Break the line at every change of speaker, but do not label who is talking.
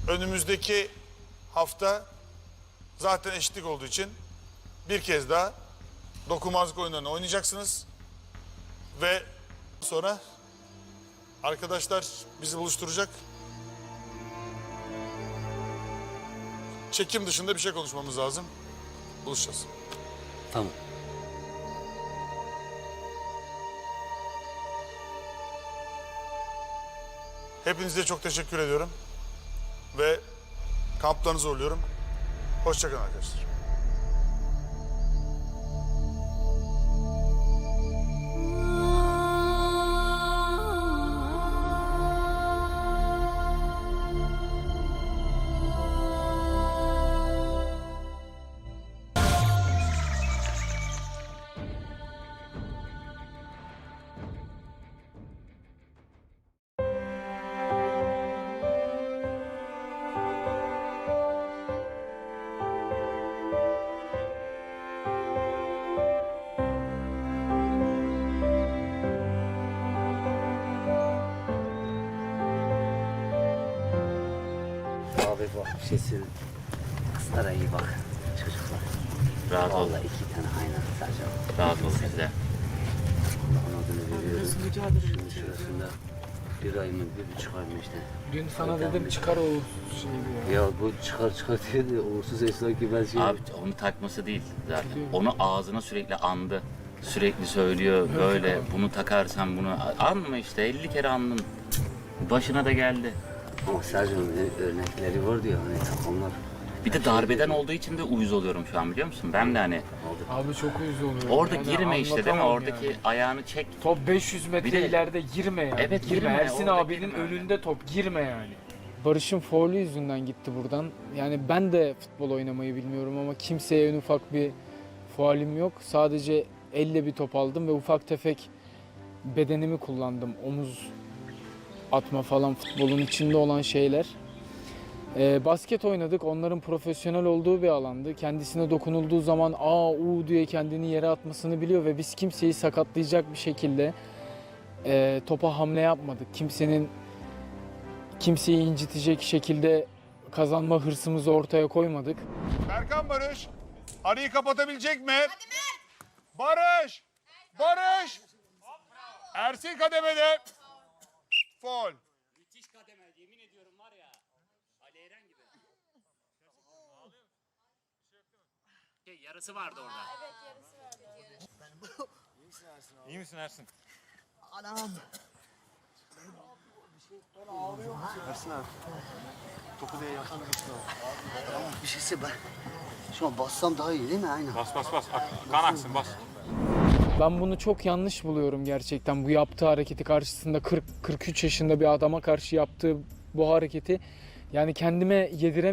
önümüzdeki hafta zaten eşitlik olduğu için bir kez daha dokunmazlık oyunlarını oynayacaksınız. Ve sonra arkadaşlar bizi buluşturacak. Çekim dışında bir şey konuşmamız lazım. Buluşacağız.
Tamam.
Hepinize çok teşekkür ediyorum. Ve kamplarınızı uğurluyorum. Hoşça kalın arkadaşlar.
Abi bak bir şey söyleyeyim. Kızlara iyi bak. Çocuklar.
Rahat ol.
Vallahi 2 tane aynen sadece.
Rahat ol bizde.
Allah'ın adını veriyorum. Şunun şurasında 1 ay mı 1,5 ay mı işte.
Dün sana dedim çıkar o şeyi ya.
Ya bu çıkar diyor da uğursuz esnaf ki ben şey...
Abi onu takması değil zaten. Onu ağzına sürekli andı. Sürekli söylüyor böyle bunu takarsan bunu anma işte 50 kere andın. Başına da geldi.
Ama Sercan'ın örnekleri var diyor hani takımlar.
Bir de darbeden olduğu için de uyuz oluyorum şu an biliyor musun? Ben de hani
Abi çok uyuz oluyor.
orada
Yani
girme işte değil mi?
anlatamam
Oradaki
yani.
ayağını çek.
Top 500 metre
Bir de-
ileride girme yani.
Evet, girme.
Ersin
Orada
abinin
girme öyle.
önünde top girme yani. Barış'ın faulü yüzünden gitti buradan. Yani ben de futbol oynamayı bilmiyorum ama kimseye en ufak bir faulim yok. Sadece elle bir top aldım ve ufak tefek bedenimi kullandım. Omuz atma falan futbolun içinde olan şeyler. Basket oynadık. Onların profesyonel olduğu bir alandı. Kendisine dokunulduğu zaman diye kendini yere atmasını biliyor ve biz kimseyi sakatlayacak bir şekilde topa hamle yapmadık. Kimseyi incitecek şekilde kazanma hırsımızı ortaya koymadık.
Berkan Barış, arayı kapatabilecek mi? Barış! Barış! Ersin kademede. Faul.
Müthiş kademe yemin ediyorum var ya. Ali Eren gibi. Yarısı vardı orada.
İyi misin Ersin?
Ersin abi. Topu diye yakın bir şeyse ben şu an bassam daha iyi değil mi? Aynen.
Bas. Kan aksın bas.
Ben bunu çok yanlış buluyorum gerçekten. Bu yaptığı hareketi karşısında 43 yaşında bir adama karşı yaptığı bu hareketi yani kendime yediremiyorum.